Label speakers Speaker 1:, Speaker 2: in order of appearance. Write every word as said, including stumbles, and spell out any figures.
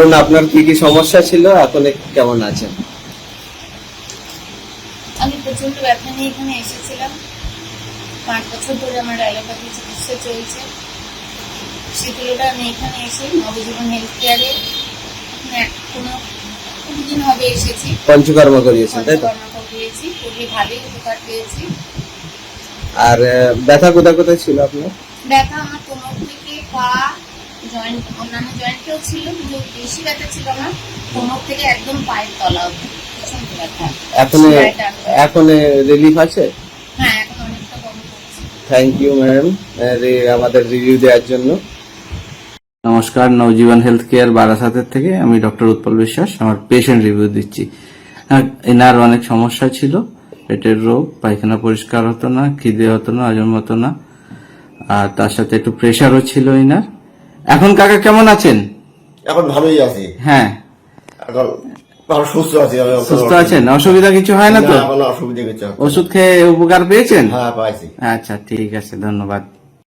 Speaker 1: বলুন আপনার কি কি সমস্যা ছিল, এখন কেমন আছেন?
Speaker 2: আমি প্রচন্ড ব্যথা নিয়ে এখানে এসেছিলাম। পাঁচ বছর ধরে আমার অ্যালোপ্যাথি চিকিৎসা চলছে। সে তুলনায় আমি এখানে এসে নবজীবন হেলথ কেয়ারে কোনো দিন হবে এসেছি,
Speaker 1: পঞ্চকর্ম করিয়েছেন তাই তো?
Speaker 2: পঞ্চকর্ম করিয়েছি, খুবই ভালোই উপকার পেয়েছি।
Speaker 1: আর ব্যথা কোথায় কোথায় ছিল আপনার?
Speaker 2: ব্যথা আমার কোমর থেকে পা, জয়েন্ট, অন্যান্য জয়েন্টেও ছিল, কিন্তু বেশি ব্যথা ছিল আমার কোমর থেকে একদম পায়ের তলা অবধি প্রচন্ড ব্যথা।
Speaker 1: এখন এখন রিলিফ আছে?
Speaker 2: হ্যাঁ, এখন অনেকটা কম করছে।
Speaker 1: থ্যাংক ইউ ম্যাডাম আমাদের রিভিউ দেওয়ার জন্য। নমস্কার, নবজীবন হেলথ কেয়ার বারাসাতের থেকে আমি ডক্টর উৎপল বিশ্বাস আমার পেশেন্ট রিভিউ দিচ্ছি। এনার অনেক সমস্যা ছিল, পেটের রোগ, পায়খানা পরিষ্কার হতো না, খিদে হতো না, হজম হতো না, আর তার সাথে একটু প্রেশারও ছিল এনার। এখন কাকা কেমন আছেন?
Speaker 3: এখন ভালোই আছি।
Speaker 1: হ্যাঁ,
Speaker 3: এখন ভালো সুস্থ আছি।
Speaker 1: সুস্থ আছেন? অসুবিধা কিছু হয় না তো?
Speaker 3: কোনো অসুবিধা কিছু।
Speaker 1: ওষুধ খেয়ে উপকার পেয়েছেন?
Speaker 3: হ্যাঁ, পাইছি।
Speaker 1: আচ্ছা, ঠিক আছে, ধন্যবাদ।